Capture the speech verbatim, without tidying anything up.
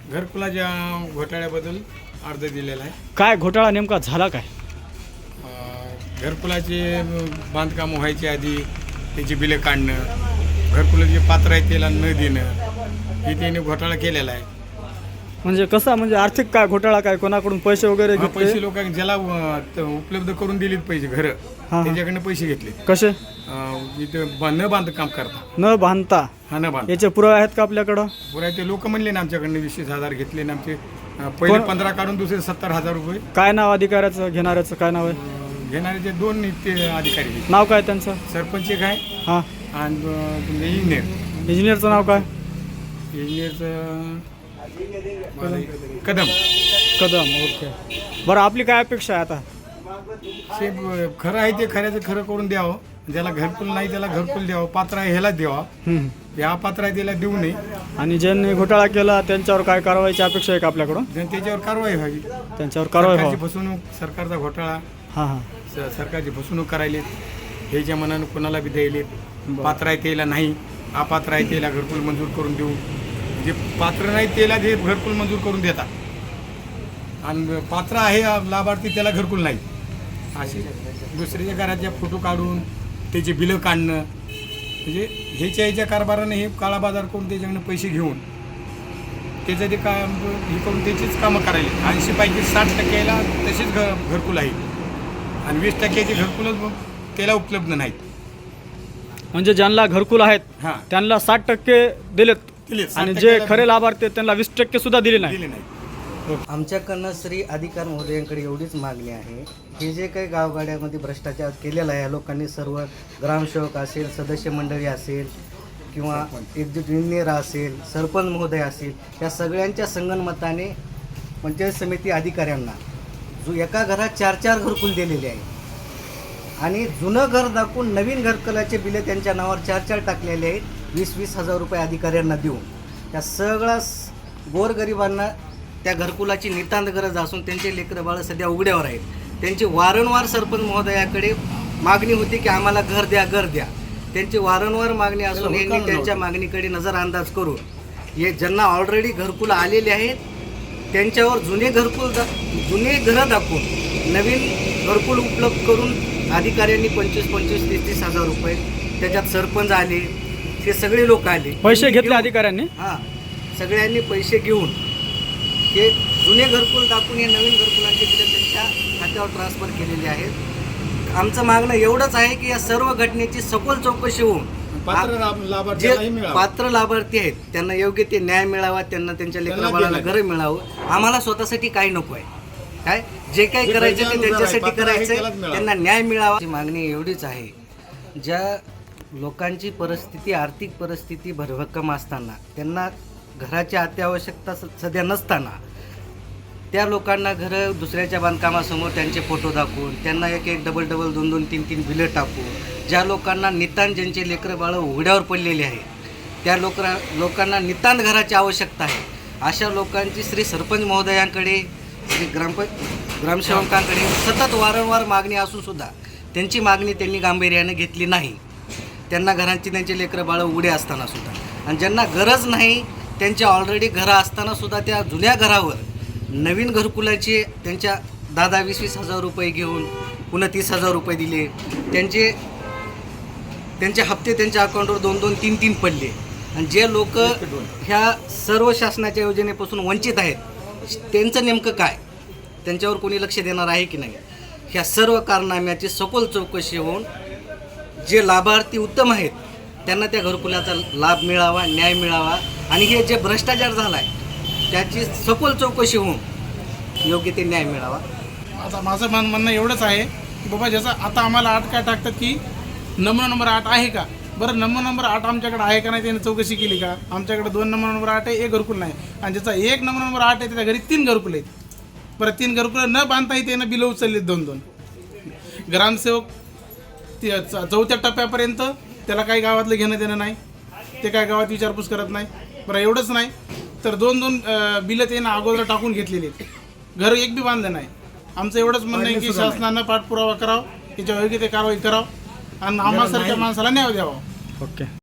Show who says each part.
Speaker 1: घरकुलाच्या घोटाळ्याबद्दल अर्ज दिलेला आहे.
Speaker 2: काय घोटाळा नेमका झाला काय?
Speaker 1: अं, घरकुलाचे बांधकाम व्हायच्या आधी त्याची बिलं काढणं, घरकुलाचे पात्र आहे त्याला न देणं, हे त्याने घोटाळा केलेला आहे.
Speaker 2: म्हणजे कसा, म्हणजे आर्थिक काय घोटाळा, काय कोणाकडून पैसे वगैरे
Speaker 1: हा,
Speaker 2: घेतले?
Speaker 1: पैसे लोकांनी ज्याला अं, त- उपलब्ध करून दिलेत पैसे घरं,
Speaker 2: हा.
Speaker 1: त्याच्याकडनं पैसे घेतले.
Speaker 2: कसे?
Speaker 1: अं, इथं बा- न बांधकाम करता,
Speaker 2: न बांधता?
Speaker 1: हा न बांध
Speaker 2: याचे पुरावे आहेत का आपल्याकडं?
Speaker 1: पुरा ते लोक म्हणले ना आमच्याकडनं वीस वीस हजार घेतले ना आमचे. अं, पहिले
Speaker 2: कोण-
Speaker 1: पंधरा काढून दुसरे सत्तर हजार रुपये
Speaker 2: काय नाव अधिकाऱ्याचं, घेणाऱ्याचं काय नाव आहे?
Speaker 1: अं, घेणारे जे दोन ते अधिकारी आहेत.
Speaker 2: नाव काय त्यांचं?
Speaker 1: सरपंच एक आहे
Speaker 2: हां.
Speaker 1: आणि अं, तुमचे इंजिनियर.
Speaker 2: इंजिनियरचं नाव काय?
Speaker 1: इंजिनियरचं कदम.
Speaker 2: कदम. ओके. बरं, आपली काय अपेक्षा आहे आता?
Speaker 1: ते ब- खरं आहे ते खऱ्याचं खरं करून द्यावं. ज्याला घरकुल नाही त्याला घरकुल द्यावं. पात्र आहे ह्याला द्यावा.
Speaker 2: हम्म.
Speaker 1: या पात्र आहे त्याला देऊ नये.
Speaker 2: आणि ज्यांनी घोटाळा केला त्यांच्यावर काय कारवाईची अपेक्षा आहे का आपल्याकडून?
Speaker 1: जनतेच्यावर कारवाई व्हावी.
Speaker 2: त्यांच्यावर कारवाई
Speaker 1: सरकारची
Speaker 2: व्हावी.
Speaker 1: फसवणूक, सरकारचा घोटाळा,
Speaker 2: हां हां.
Speaker 1: स- सरकारची फसवणूक करायलेत. ह्याच्या मनानं कोणाला बी द्यायलेत. पात्र आहे त्याला नाही, अपात्र आहे त्याला घरकुल मंजूर करून देऊ. जे पात्र नाही त्याला जे घरकुल मंजूर करून देतात आणि पात्र आहे लाभार्थी त्याला घरकुल नाही. असे दुसऱ्याच्या घराच्या फोटो काढून त्याचे बिलं काढणं, म्हणजे ह्याच्या ह्याच्या कारभाराने हे काळा बाजार करून त्याच्याकडनं पैसे घेऊन त्याचं ते काम हे करून त्याचीच कामं करायला. ऐंशी पैकी साठ टक्क्याला तसेच घ घरकुल आहे आणि वीस टक्क्याचे घरकुलच त्याला उपलब्ध नाहीत.
Speaker 2: म्हणजे ज्यांना घरकुल आहेत
Speaker 1: हां,
Speaker 2: त्यांना साठ टक्के दिलेत
Speaker 1: दिलेत. साठ
Speaker 2: आणि जे
Speaker 1: टक्क्याला
Speaker 2: खरे लाभार्थी आहेत त्यांना वीस टक्के सुद्धा दिले नाही.
Speaker 1: दिले नाही.
Speaker 3: आमच्याकडनं श्री अधिकार महोदयांकडे एवढीच मागणी आहे, हे जे काही गावगाड्यामध्ये भ्रष्टाचार केलेला आहे या लोकांनी, सर्व ग्रामसेवक असेल, सदस्य मंडळी असेल किंवा एकजूट इंजिनियर असेल, सरपंच महोदय असेल, या सगळ्यांच्या संगनमताने पंचायत समिती अधिकाऱ्यांना जो एका घरात चार चार घरकुल दिलेले आहे आणि जुनं घर दाखवून नवीन घरकुलाचे बिले त्यांच्या नावावर चार चार टाकलेले आहेत, वीस वीस हजार रुपये अधिकाऱ्यांना देऊन त्या सगळ्या गोरगरिबांना त्या घरकुलाची नितांत गरज असून त्यांचे लेकरं बाळं सध्या उघड्यावर आहेत. त्यांची वारंवार सरपंच महोदयाकडे मागणी होती की आम्हाला घर द्या, घर द्या. त्यांची वारंवार मागणी असून यांनी त्यांच्या मागणीकडे नजरअंदाज करून हे ज्यांना ऑलरेडी घरकुल आलेले आहेत त्यांच्यावर जुने घरकुल दा जुने घरं दाखवून नवीन घरकुल उपलब्ध करून अधिकाऱ्यांनी पंचवीस पंचवीस तीस तीस हजार रुपये, त्याच्यात सरपंच आले, ते सगळे लोक आले,
Speaker 2: पैसे घेतले अधिकाऱ्यांनी.
Speaker 3: हां, सगळ्यांनी पैसे घेऊन हे जुने घरकुल दाखवून हे नवीन घरकुलांचे बिलं त्यांच्या खात्यावर ट्रान्सफर केलेले आहेत. आमचं मागणं एवढंच आहे की या सर्व घटनेची सखोल चौकशी होऊन
Speaker 1: पात्र लाभ-
Speaker 3: जे
Speaker 1: लाभार्थ्यालाही मिळावं.
Speaker 3: पात्र लाभार्थी आहेत त्यांना योग्य ते न्याय मिळावा, त्यांना त्यांच्या लेकरा बाळाला घरं मिळावं. आम्हाला स्वतःसाठी काही नको आहे, काय जे काही
Speaker 1: जे
Speaker 3: करायचं ते
Speaker 1: गरजेनुसार आहे,
Speaker 3: त्यांच्यासाठी
Speaker 1: पात्र आहे
Speaker 3: करायचं
Speaker 1: त्यालाच
Speaker 3: आहे,
Speaker 1: मिळावं.
Speaker 3: त्यांना न्याय मिळावा. मागणी एवढीच आहे, ज्या लोकांची परिस्थिती, आर्थिक परिस्थिती भरभक्कम असताना, त्यांना घराची अत्यावश्यकता स- सध्या नसताना त्या लोकांना घरं दुसऱ्याच्या बांधकामासमोर त्यांचे फोटो दाखवून, त्यांना एक एक डबल डबल दोन दोन तीन तीन बिलं टाकून, ज्या लोकांना नितांत, ज्यांचे लेकरं बाळं उघड्यावर पडलेले आहेत, त्या लोक लोकांना नितांत घराची आवश्यकता आहे, अशा लोकांची श्री सरपंच महोदयांकडे, श्री ग्रामप ग्रामसेवकांकडे सतत वारंवार मागणी असूनसुद्धा त्यांची मागणी त्यांनी गांभीर्याने घेतली नाही. त्यांना घरांची, त्यांचे लेकरं बाळं उघडे असतानासुद्धा, आणि ज्यांना गरज नाही त्यांच्या ऑलरेडी घरं असतानासुद्धा त्या जुन्या घरावर नवीन घरकुलाचे त्यांच्या दहा दहा वीस वीस हजार रुपये घेऊन पुन्हा तीस हजार रुपये दिले, त्यांचे त्यांचे हप्ते त्यांच्या अकाउंटवर दोन दोन तीन तीन पडले. आणि जे लोक ह्या सर्व शासनाच्या योजनेपासून वंचित आहेत त्यांचं नेमकं काय, त्यांच्यावर कोणी लक्ष देणार आहे की नाही, ह्या सर्व कारनाम्याची सखोल चौकशी होऊन जे लाभार्थी उत्तम आहेत त्यांना त्या घरकुलाचा लाभ मिळावा, न्याय मिळावा, आणि हे जे भ्रष्टाचार झाला आहे त्याची सखोल चौकशी होऊन योग्य ते न्याय मिळावा.
Speaker 4: आता माझं मान म्हणणं एवढंच आहे की बाबा, ज्याचा आता आम्हाला आठ काय टाकतात की नमुना नंबर आठ आहे का, बरं नमुना नंबर आठ आमच्याकडे आहे का नाही त्याने चौकशी केली का? आमच्याकडे दोन नमुना नंबर आठ आहे, एक घरकुल नाही, आणि ज्याचा एक नमुना नंबर आठ आहे त्याच्या घरी तीन घरकुल आहेत. बरं तीन घरकुल न बांधताही त्यानं बिलं उचललीत दोन दोन. ग्रामसेवक ती च- चौथ्या टप्प्यापर्यंत त्याला काही गावातलं घेणं देणं नाही, ते काय गावात विचारपूस करत नाही. बरं एवढंच नाही तर दोन दोन बिलं त्यानं अगोदर टाकून घेतलेली आहेत, घर एक बी बांधलं नाही. आमचं एवढंच म्हणणं आहे की शासनानं पाठपुरावा करावा, याच्या योग्य ते कारवाई करावं आणि आम्हासारख्या माणसाला न्याय द्यावा.
Speaker 2: ओके.